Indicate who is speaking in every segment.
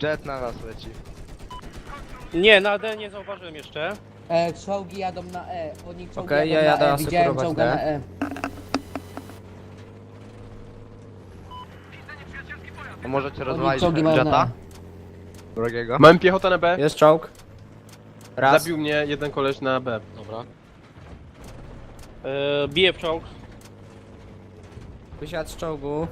Speaker 1: Jet na nas leci.
Speaker 2: Nie, na D nie zauważyłem jeszcze.
Speaker 3: Czołgi jadą na E. Oni czołgi
Speaker 4: Okej,
Speaker 3: jadą
Speaker 4: ja
Speaker 3: na
Speaker 4: jadę
Speaker 3: E. Widziałem
Speaker 4: asekurować
Speaker 3: czołga
Speaker 4: D.
Speaker 3: na E.
Speaker 1: To możecie
Speaker 3: Oni
Speaker 1: rozwalić
Speaker 3: czołgi mają na
Speaker 1: Jetta?
Speaker 3: E.
Speaker 1: Drugiego?
Speaker 5: Mam piechotę na B.
Speaker 4: Jest czołg. Raz.
Speaker 5: Zabił mnie jeden koleś na B.
Speaker 6: Dobra.
Speaker 2: Bije w czołg.
Speaker 4: Wysiadł z czołgu.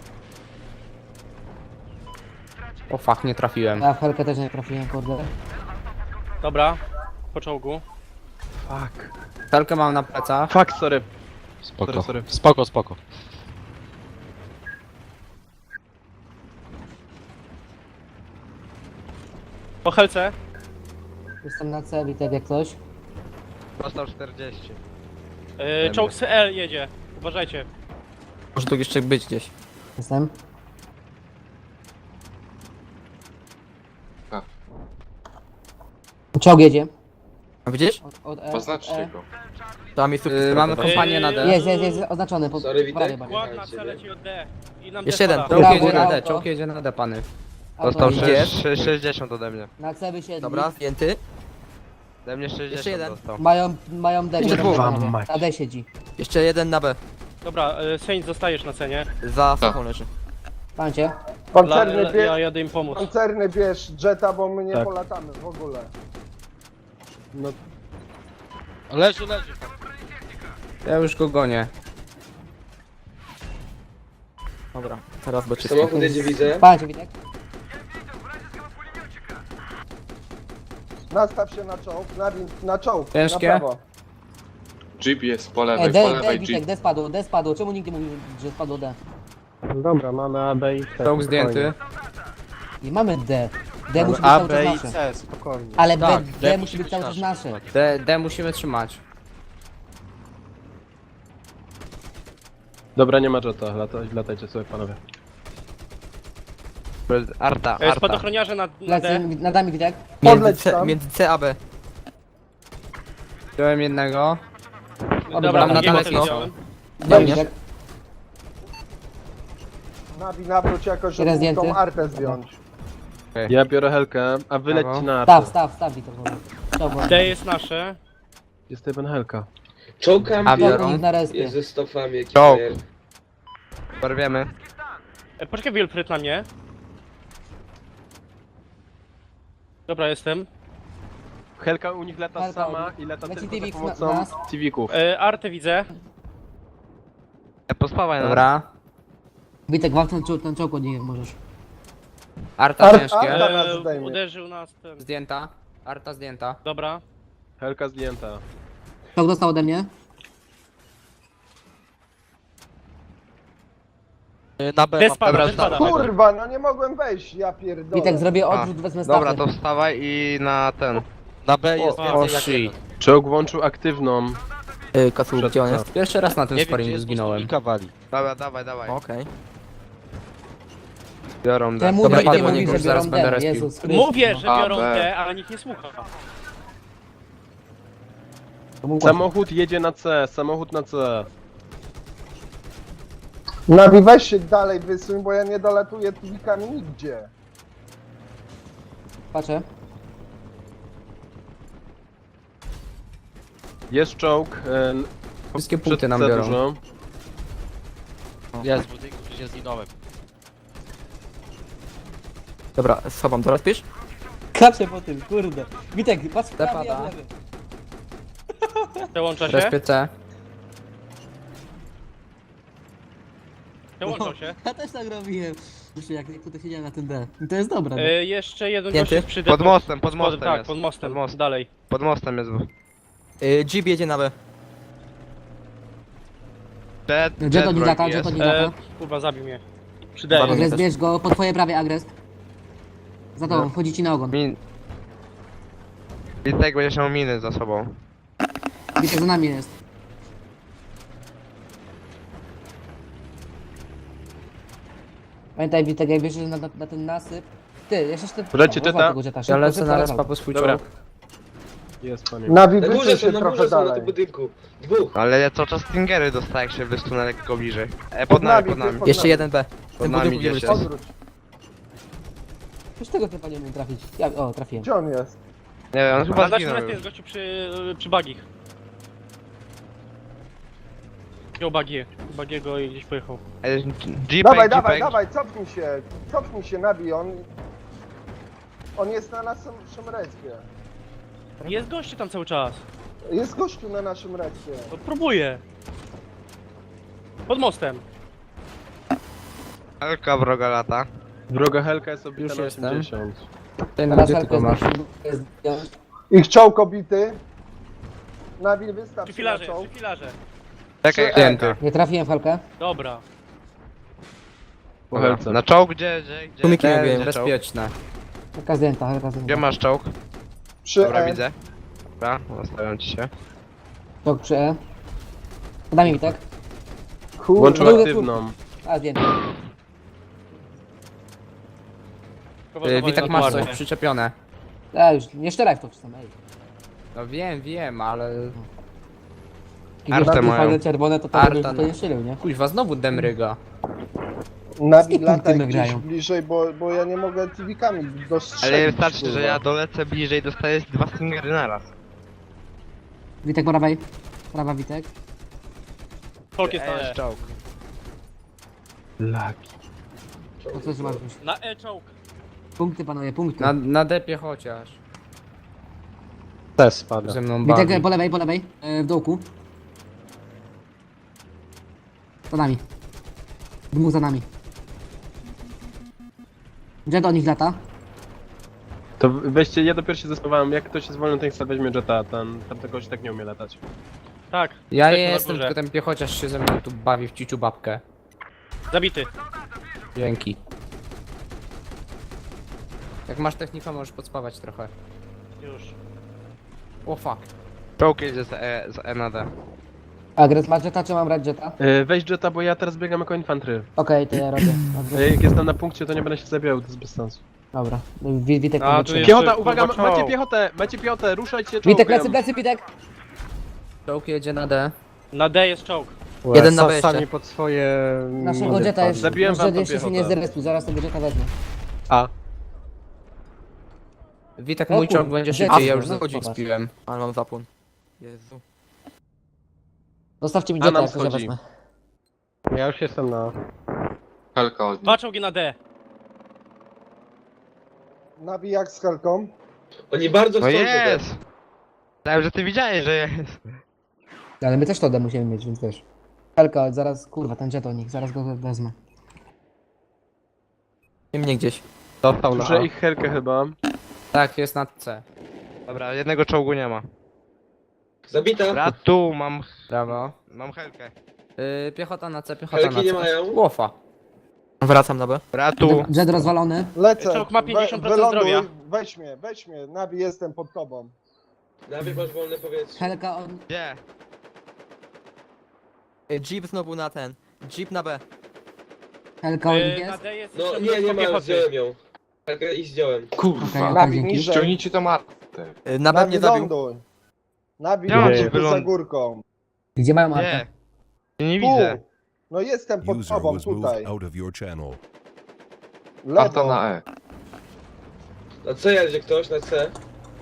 Speaker 4: O fuck, nie trafiłem.
Speaker 3: Ja w Helkę też nie trafiłem, kurde.
Speaker 2: Dobra, po czołgu.
Speaker 5: Fuck.
Speaker 4: Helkę mam na plecach.
Speaker 5: Fuck, sorry.
Speaker 6: Spoko.
Speaker 5: Sorry.
Speaker 6: Spoko, spoko.
Speaker 2: Po helce.
Speaker 3: Jestem na C, Witek, jak coś.
Speaker 1: Dostał 40.
Speaker 2: Czołg CL jedzie. Uważajcie.
Speaker 4: Może tu jeszcze być gdzieś.
Speaker 3: Jestem. Czołg jedzie.
Speaker 4: A widzisz?
Speaker 3: Od E.
Speaker 7: Poznaczcie
Speaker 3: E.
Speaker 7: go.
Speaker 4: Tam jest mamy kompanię na D.
Speaker 3: Jest oznaczony. Po
Speaker 7: Sorry, Witek.
Speaker 3: prawej bardziej.
Speaker 2: Kład na C leci od D. I nam
Speaker 4: Jeszcze
Speaker 2: D
Speaker 4: jeden.
Speaker 2: spada.
Speaker 4: Czołg
Speaker 3: Brawo,
Speaker 4: jedzie na D,
Speaker 3: auto.
Speaker 4: czołg jedzie na D, pany.
Speaker 1: Dostał
Speaker 3: Auto
Speaker 4: Idzie.
Speaker 1: 60 ode mnie.
Speaker 3: na C wysiedli.
Speaker 4: Dobra, zdjęty.
Speaker 1: Ode mnie 60
Speaker 4: Jeszcze jeden.
Speaker 1: dostał.
Speaker 3: Mają D.
Speaker 5: Kurwa
Speaker 3: panowie.
Speaker 5: mać.
Speaker 3: Na D siedzi.
Speaker 4: Jeszcze jeden na B.
Speaker 2: Dobra, Saint zostajesz na cenie.
Speaker 4: Za sochą leży.
Speaker 3: Pamięcie?
Speaker 8: Pancerny
Speaker 2: Ja jadę im pomóc.
Speaker 8: pancerny bierz Jetta, bo my nie
Speaker 5: Tak.
Speaker 8: polatamy w ogóle.
Speaker 5: No,
Speaker 6: Leży, leży.
Speaker 4: Ja już go gonię. Dobra, teraz bo czysto.
Speaker 7: Samochód jedzie, widzę.
Speaker 3: Pamięcie, Witek?
Speaker 8: Nastaw się na czołg, na czołg,
Speaker 4: Ciężkie?
Speaker 8: na prawo.
Speaker 7: Jeep jest po lewej, po
Speaker 3: D,
Speaker 7: lewej
Speaker 3: Witek,
Speaker 7: Jeep.
Speaker 3: D spadło. Czemu nikt nie mówił, że spadło D?
Speaker 5: dobra, mamy A, B i C.
Speaker 4: Czołg zdjęty.
Speaker 3: Nie mamy D. D musi być
Speaker 5: A,
Speaker 3: cały
Speaker 5: B
Speaker 3: czas
Speaker 5: i
Speaker 3: nasze.
Speaker 5: C, spokojnie.
Speaker 3: Ale
Speaker 4: Tak,
Speaker 3: D musi być cały czas nasze.
Speaker 4: D musimy trzymać.
Speaker 5: Dobra, nie ma Jetta, latajcie sobie panowie.
Speaker 1: Arta, Arta.
Speaker 2: Spadochroniarze na
Speaker 3: Lecę,
Speaker 2: D.
Speaker 3: nad nami, Witek.
Speaker 8: Podleć tam.
Speaker 4: Między C a B. Wziąłem jednego.
Speaker 2: Dobra,
Speaker 4: na
Speaker 2: drugiego
Speaker 4: daleko.
Speaker 2: też widziałem.
Speaker 3: Daj, Witek.
Speaker 8: Nawróć jakoś,
Speaker 3: Jeden
Speaker 8: żeby tą
Speaker 3: zdjęty.
Speaker 8: artę zdjąć.
Speaker 5: Ja biorę Helkę, a wy
Speaker 4: Brawo.
Speaker 5: lećcie na artę.
Speaker 3: Staw, Witek. Dobra.
Speaker 2: D jest nasze.
Speaker 5: Jest jeden Helka.
Speaker 7: Czołgam
Speaker 4: A, biorą.
Speaker 3: Dobra, na respie.
Speaker 7: jest ze stofami jakiś
Speaker 1: Czołg.
Speaker 7: player.
Speaker 1: Porwiemy.
Speaker 2: Poczekaj, Wilfred na mnie. Dobra, jestem.
Speaker 5: Helka u nich lata
Speaker 3: Helka u
Speaker 5: sama
Speaker 3: nich.
Speaker 5: i lata
Speaker 3: Leci
Speaker 5: tylko za
Speaker 3: Tivik
Speaker 5: pomocą
Speaker 3: na nas.
Speaker 5: Civików.
Speaker 2: Artę widzę.
Speaker 1: Pospawaj nas.
Speaker 4: Dobra.
Speaker 3: Witek, walcz ten czołg od nich możesz.
Speaker 4: Arta ciężkie.
Speaker 8: Arta nas zdejmie.
Speaker 2: Uderzył nas ten.
Speaker 4: Zdjęta. Arta zdjęta.
Speaker 2: Dobra.
Speaker 5: Helka zdjęta.
Speaker 3: Czołg dostał ode mnie.
Speaker 6: Na B
Speaker 2: D
Speaker 6: mam.
Speaker 2: spada,
Speaker 1: Dobra,
Speaker 2: D spada.
Speaker 8: Kurwa, no nie mogłem wejść, ja pierdolę.
Speaker 3: Witek, zrobię
Speaker 1: A,
Speaker 3: odrzut, wezmę stafę.
Speaker 1: Dobra, to wstawaj i na ten.
Speaker 6: Na B jest
Speaker 2: O,
Speaker 6: więcej jak
Speaker 4: shit.
Speaker 6: jeden.
Speaker 5: Czołg włączył aktywną.
Speaker 4: Kasu,
Speaker 5: Przed
Speaker 4: gdzie on
Speaker 5: co?
Speaker 4: jest? Pierwszy raz na tym
Speaker 6: Nie wiem, gdzie
Speaker 4: sparingu
Speaker 6: jest,
Speaker 4: zginąłem.
Speaker 6: bo wali.
Speaker 1: Dobra, dawaj, dawaj.
Speaker 4: Okej.
Speaker 1: Biorą D.
Speaker 3: Temu
Speaker 4: Dobra,
Speaker 3: nikt
Speaker 4: idę
Speaker 3: nie
Speaker 4: po
Speaker 3: mówi,
Speaker 4: niego,
Speaker 3: że
Speaker 4: już zaraz
Speaker 3: biorą
Speaker 4: będę
Speaker 3: D.
Speaker 4: respił.
Speaker 3: Jezus Chrystus.
Speaker 2: Mówię, że
Speaker 7: A,
Speaker 2: biorą
Speaker 7: B.
Speaker 2: D, ale nikt nie słucha.
Speaker 5: Samochód jedzie na C, samochód na C.
Speaker 8: Nawi, weź się dalej wysuń, bo ja nie dolatuję Tivikami nigdzie.
Speaker 3: Patrzę.
Speaker 5: Jest czołg.
Speaker 4: Wszystkie
Speaker 5: przed
Speaker 4: punkty nam
Speaker 5: C
Speaker 4: biorą.
Speaker 5: dużo.
Speaker 6: Jest w budynku, gdzie zginąłem.
Speaker 4: Dobra, schowam, teraz pisz?
Speaker 3: Kaczę po tym, kurde. Witek, patrz w prawy, ja w
Speaker 4: pada.
Speaker 3: lewy.
Speaker 2: Przełącza się.
Speaker 4: Respie C.
Speaker 2: Przełączał się.
Speaker 3: Ja też tak robiłem. Myślę, jak tutaj siedziałem na tym D. I to jest dobre. No.
Speaker 2: Jeszcze jeden
Speaker 4: Zdjęty?
Speaker 2: gość jest przy D.
Speaker 1: Pod mostem, pod mostem
Speaker 2: Tak,
Speaker 1: jest.
Speaker 2: pod mostem.
Speaker 1: Pod mostem.
Speaker 2: Dalej.
Speaker 1: Pod mostem jest.
Speaker 4: Jeep jedzie na B.
Speaker 3: Jet od Nidaka,
Speaker 1: jest.
Speaker 3: Jet od Nidaka.
Speaker 2: Kurwa, zabił mnie. Przy D.
Speaker 4: Bardzo.
Speaker 3: Agrest, bierz go, po twoje prawie Agrest. Za tobą, wchodzi ci na ogon.
Speaker 1: Min... Witek będzie miał miny za sobą.
Speaker 3: Witek za nami jest. Pamiętaj Witek, jak wiesz, że na ten nasyp... Ty, jeszcze te...
Speaker 5: Wlecie
Speaker 3: O, rozwal
Speaker 5: Jetta.
Speaker 3: tego Jetta,
Speaker 4: Ja
Speaker 3: szybko,
Speaker 4: lecę
Speaker 3: szybko,
Speaker 4: na
Speaker 3: rozwal.
Speaker 4: respa po swój
Speaker 5: Dobra.
Speaker 4: czołg.
Speaker 5: Jest panie.
Speaker 8: Nawi,
Speaker 7: Na
Speaker 8: wysuń
Speaker 7: górze
Speaker 8: się
Speaker 7: są, na
Speaker 8: trochę
Speaker 7: górze są, na
Speaker 8: dalej.
Speaker 7: tym budynku. Dwóch.
Speaker 1: Ale ja cały czas Stingery dostaję, jak się wystunę lekko bliżej. Pod nami, pod nami.
Speaker 8: Pod
Speaker 4: Jeszcze
Speaker 8: nami.
Speaker 4: jeden B.
Speaker 1: Pod
Speaker 4: Ten
Speaker 1: nami
Speaker 4: budynku gdzie
Speaker 1: gdzieś
Speaker 4: jesteś.
Speaker 8: Odwróć.
Speaker 3: Przecież tego typa nie umiem trafić. Ja, o, trafiłem.
Speaker 8: Gdzie on jest?
Speaker 1: Nie wiem, on
Speaker 2: Na
Speaker 1: chyba
Speaker 2: naszym
Speaker 1: zginął
Speaker 2: respie
Speaker 1: już.
Speaker 2: jest gościu przy bagich. Wziął bagiego i gdzieś pojechał.
Speaker 8: Dawaj,
Speaker 1: Jeepek,
Speaker 8: dawaj,
Speaker 1: jeepek.
Speaker 8: dawaj, cofnij się, nabij, on jest na naszym respie.
Speaker 2: Jest gościu tam cały czas.
Speaker 8: Jest gościu na naszym respie.
Speaker 2: No próbuję. Pod mostem.
Speaker 1: Helka wroga lata.
Speaker 5: Wroga Helka jest obita
Speaker 4: Już
Speaker 5: na
Speaker 4: jestem.
Speaker 5: 80.
Speaker 4: Ten
Speaker 3: Teraz
Speaker 4: gdzie ty
Speaker 3: Helka
Speaker 4: go masz?
Speaker 3: jest...
Speaker 8: Ich czołg obity. Nabil, wystaw
Speaker 2: Przy
Speaker 8: się na
Speaker 2: filarze,
Speaker 8: czołg.
Speaker 2: przy filarze.
Speaker 1: Czekaj,
Speaker 8: Przy
Speaker 1: Helka.
Speaker 3: Nie trafiłem w Helkę.
Speaker 2: Dobra.
Speaker 5: Po
Speaker 1: Dobra.
Speaker 5: Helce.
Speaker 1: Na czołg gdzie?
Speaker 4: Tłumiki
Speaker 1: Gdzie
Speaker 4: mówiłem,
Speaker 1: czołg?
Speaker 4: bezpieczne.
Speaker 3: Helka zdjęta, Helka
Speaker 1: Gdzie
Speaker 3: zdjęta.
Speaker 1: masz czołg?
Speaker 8: Przy
Speaker 1: Dobra,
Speaker 8: E.
Speaker 1: widzę. Dobra, zostawiam ci się.
Speaker 3: Tok przy E. Podaj mi Witek.
Speaker 5: Włączył
Speaker 3: Drugi
Speaker 5: aktywną.
Speaker 3: A, zdjęty.
Speaker 4: Witek, masz coś przyczepione.
Speaker 3: A, już, nie szczeraj w to wszyscy, ej.
Speaker 4: No wiem, ale...
Speaker 3: Jakieś
Speaker 1: Artę
Speaker 3: takie
Speaker 1: mają.
Speaker 3: fajne czerwone, to
Speaker 4: Arta,
Speaker 3: to
Speaker 4: no.
Speaker 3: nie strzelił, nie?
Speaker 4: Kuźwa, znowu demryga.
Speaker 8: Nabil,
Speaker 3: punkty
Speaker 8: lataj
Speaker 3: my
Speaker 8: gdzieś
Speaker 3: grają.
Speaker 8: bliżej, bo ja nie mogę TV-kami dostrzelić.
Speaker 1: Ale wystarczy,
Speaker 8: kurwa.
Speaker 1: że ja dolecę bliżej, dostaję 2 stingery naraz.
Speaker 3: Witek po prawej. Prawa Witek.
Speaker 2: Folk jest na E.
Speaker 1: czołg.
Speaker 5: Laki.
Speaker 3: To co masz już?
Speaker 2: Na E czołg.
Speaker 3: Punkty panowie, punkty.
Speaker 4: Na depie chociaż.
Speaker 5: Też spada.
Speaker 4: Ze mną bawi.
Speaker 3: Witek po lewej, w dołku. Za nami. Dwóch za nami. Jet do nich lata.
Speaker 5: To weźcie, ja dopiero się zastanawiałem, jak ktoś jest wolny, ten chce weźmie Jetta, tamten gość tak nie umie latać.
Speaker 2: Tak.
Speaker 4: Ja
Speaker 2: Tak, na
Speaker 4: jestem,
Speaker 2: górze.
Speaker 4: tylko ten piechociarz się ze mną tu bawi w ciciu babkę.
Speaker 2: Zabity.
Speaker 4: Dzięki. Jak masz technika, możesz podspawać trochę.
Speaker 2: Już.
Speaker 4: O fuck.
Speaker 1: Czołg jedzie z E na D.
Speaker 3: Agres ma Jetta, czy mam brać Jetta?
Speaker 5: Weź Jetta, bo ja teraz biegam jako infantry.
Speaker 3: Okej, to ja robię. Agres.
Speaker 5: Jak jestem na punkcie, to nie będę się zabijał, to jest bez sensu.
Speaker 3: Dobra. Witek
Speaker 2: A,
Speaker 3: tam
Speaker 2: tu
Speaker 3: dotrzymał.
Speaker 2: jest-
Speaker 5: Piechota,
Speaker 2: kurwa,
Speaker 5: uwaga,
Speaker 2: czołg.
Speaker 5: macie piechotę, ruszajcie
Speaker 3: Witek,
Speaker 5: czołgiem.
Speaker 3: plecy, Witek!
Speaker 4: Czołg jedzie na D.
Speaker 2: Na D jest czołg.
Speaker 4: Jeden na B jeszcze.
Speaker 5: Sami pod swoje...
Speaker 3: Naszego Jetta jest...
Speaker 5: Zabiłem
Speaker 3: nasz
Speaker 5: wam
Speaker 3: Jet
Speaker 5: tą
Speaker 3: jeszcze się nie
Speaker 5: piechotę.
Speaker 3: zrespił, zaraz tego Jetta wezmę.
Speaker 5: A.
Speaker 4: Witek,
Speaker 3: O
Speaker 4: mój
Speaker 3: kurwa,
Speaker 4: czołg będzie
Speaker 3: gdzie
Speaker 4: szybciej,
Speaker 3: ty?
Speaker 4: ja już
Speaker 3: No,
Speaker 4: zachodzić
Speaker 3: zobacz.
Speaker 4: spiłem. Ale mam zapłon. Jezu.
Speaker 3: Zostawcie mi
Speaker 5: A
Speaker 3: Jetta,
Speaker 5: nam
Speaker 3: jak to ja
Speaker 5: schodzi.
Speaker 3: wezmę.
Speaker 5: Ja już jestem na...
Speaker 7: Helka od
Speaker 2: Dwa czołgi na D.
Speaker 8: Nabil jak z Helką.
Speaker 7: Oni bardzo
Speaker 1: No
Speaker 7: chcą
Speaker 1: jest! Myślałem, że ty widziałeś, że jest.
Speaker 3: Ale my też to D musimy mieć, więc wiesz. Helka, zaraz, kurwa, ten Jet o nich, zaraz go wezmę.
Speaker 4: I mnie gdzieś.
Speaker 5: Dostał na ich Helkę chyba.
Speaker 4: Tak, jest na C.
Speaker 1: Dobra, jednego czołgu nie ma.
Speaker 7: Zabita.
Speaker 1: Dobra, tu mam
Speaker 4: Brawo.
Speaker 1: Helkę.
Speaker 4: Piechota na C, piechota na
Speaker 7: Helki nie
Speaker 4: C.
Speaker 7: mają.
Speaker 4: Łofa. Wracam na B.
Speaker 1: Dobra, tu.
Speaker 3: Jet rozwalony.
Speaker 8: Lecę.
Speaker 2: Czołg ma 50%
Speaker 8: wyląduj,
Speaker 2: zdrowia.
Speaker 8: weź mnie. Nabil, jestem pod tobą.
Speaker 7: Nabil, masz wolne powietrze.
Speaker 3: Helka on...
Speaker 1: Gdzie?
Speaker 4: Jeep znowu na ten. Jeep na B.
Speaker 3: Helka on nich
Speaker 2: Na
Speaker 3: jest.
Speaker 2: D jest
Speaker 7: No
Speaker 2: jeszcze
Speaker 7: nie
Speaker 2: mnóstwo
Speaker 7: ma,
Speaker 2: piechoty.
Speaker 7: zdjąłem ją. Helkę i zdjąłem.
Speaker 3: Okej,
Speaker 8: Nabil,
Speaker 3: dzięki.
Speaker 8: niżej.
Speaker 7: Ściągnijcie to martę.
Speaker 4: Na B mnie
Speaker 8: Nabil,
Speaker 4: zabił.
Speaker 8: ląduj. Nabil,
Speaker 1: Ja mam
Speaker 8: ląduj
Speaker 1: cię
Speaker 8: tu za
Speaker 1: wyląd-
Speaker 8: górką.
Speaker 3: Gdzie mają
Speaker 1: Nie.
Speaker 3: Artę?
Speaker 1: Ja nie
Speaker 8: Tu.
Speaker 1: widzę.
Speaker 8: No jestem pod
Speaker 9: User
Speaker 8: tobą,
Speaker 9: was moved
Speaker 8: tutaj.
Speaker 9: out of your channel.
Speaker 8: Lewo.
Speaker 7: E. Na C jedzie ktoś, na C.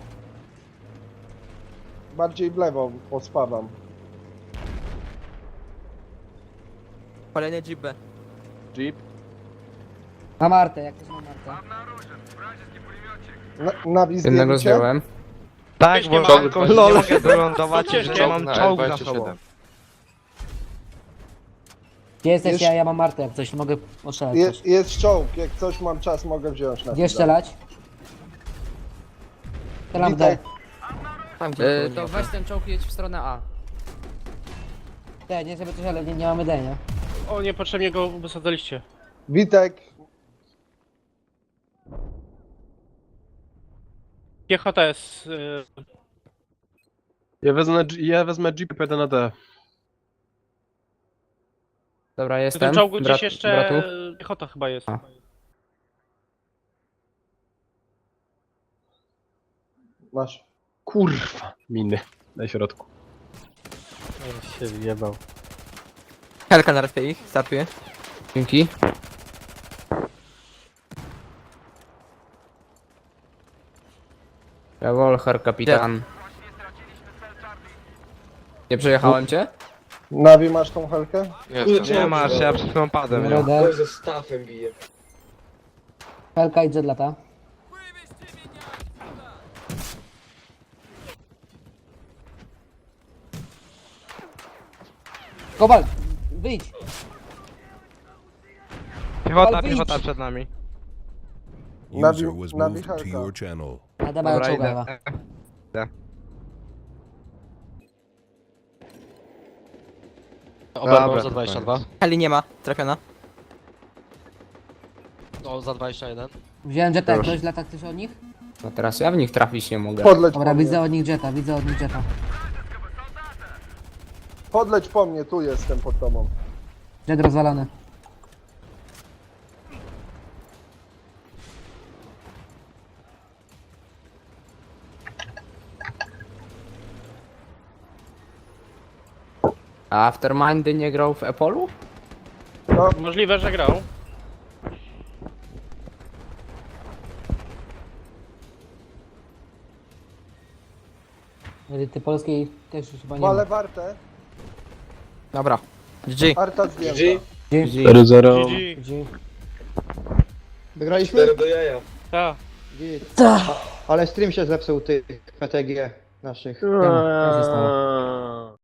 Speaker 8: Bardziej w lewo pospadam.
Speaker 4: Kolejny Jeep B.
Speaker 5: Jeep.
Speaker 3: Mam Artę, jak też mam Artę.
Speaker 8: Nabil,
Speaker 4: Jednego
Speaker 8: zdjęcie.
Speaker 4: zdjąłem.
Speaker 1: Tak,
Speaker 2: Ciężkie
Speaker 1: bo
Speaker 2: mam.
Speaker 1: tylko nie mogę wylądować,
Speaker 2: Są ciężkie.
Speaker 1: że mam czołg za sobą.
Speaker 3: Gdzie jesteś?
Speaker 8: Jest-
Speaker 3: Ja mam Artę, jak coś, mogę ostrzelać coś.
Speaker 8: Jest czołg, jak coś mam czas, mogę wziąć na
Speaker 3: Gdzie
Speaker 8: chwilę.
Speaker 3: strzelać? Strzelam w D.
Speaker 8: Witek,
Speaker 4: Tam gdzie to weź ten czołg i jedź w stronę A.
Speaker 3: D, nie żeby coś, ale nie mamy D, nie?
Speaker 2: O, niepotrzebnie go wysadzaliście.
Speaker 8: Witek,
Speaker 2: Piechota jest...
Speaker 5: Ja wezmę Jeep i pójdę na D.
Speaker 4: Dobra,
Speaker 2: w
Speaker 4: jestem.
Speaker 2: tym czołgu gdzieś
Speaker 4: Brat-
Speaker 2: jeszcze
Speaker 4: bratów.
Speaker 2: piechota chyba jest.
Speaker 4: A.
Speaker 8: masz.
Speaker 5: Kurwa. Miny. Na środku. Ja się wjebał.
Speaker 4: Helka na respie ich, startuje. Dzięki. Rewolher, kapitan. Nie przejechałem cię?
Speaker 8: Nawi, masz tą helkę?
Speaker 1: Nie masz, ja przed chwilą padłem. nie?
Speaker 3: Radę.
Speaker 7: Ktoś ze stafem bije.
Speaker 3: Helka i jet lata. Kowal, wyjdź!
Speaker 1: Piechota,
Speaker 3: Kowal, wyjdź!
Speaker 1: piechota przed nami.
Speaker 8: Nawi,
Speaker 9: User was
Speaker 8: nawi
Speaker 9: moved to
Speaker 8: helka.
Speaker 9: your channel.
Speaker 3: Nada mają
Speaker 1: Dobra,
Speaker 3: czołga.
Speaker 1: idę.
Speaker 6: Oberwał za 22.
Speaker 4: Heli nie ma, trafiona.
Speaker 6: No, za 21.
Speaker 3: Wziąłem jeta, jak
Speaker 1: Proszę.
Speaker 3: ktoś lata ktoś od nich?
Speaker 4: No teraz ja w nich trafić nie mogę.
Speaker 8: Podleć
Speaker 3: Dobra,
Speaker 8: po mnie.
Speaker 3: widzę od nich jeta, widzę od nich jeta.
Speaker 8: Podleć po mnie, tu jestem pod tobą.
Speaker 3: Jet rozwalony.
Speaker 4: A Aftermindy nie grał w Epolu?
Speaker 8: No,
Speaker 2: Możliwe, że grał.
Speaker 3: Elity polskiej też chyba nie
Speaker 8: wale
Speaker 3: ma.
Speaker 8: wartę.
Speaker 4: Dobra. GG.
Speaker 8: Arta zdjęta.
Speaker 7: GG.
Speaker 3: GG.
Speaker 5: 4-0.
Speaker 2: GG.
Speaker 3: GG.
Speaker 10: Wygraliśmy?
Speaker 7: 4 do jaja.
Speaker 2: Ta.
Speaker 10: Ale stream się zepsuł tych PTG naszych.
Speaker 3: Co się stało?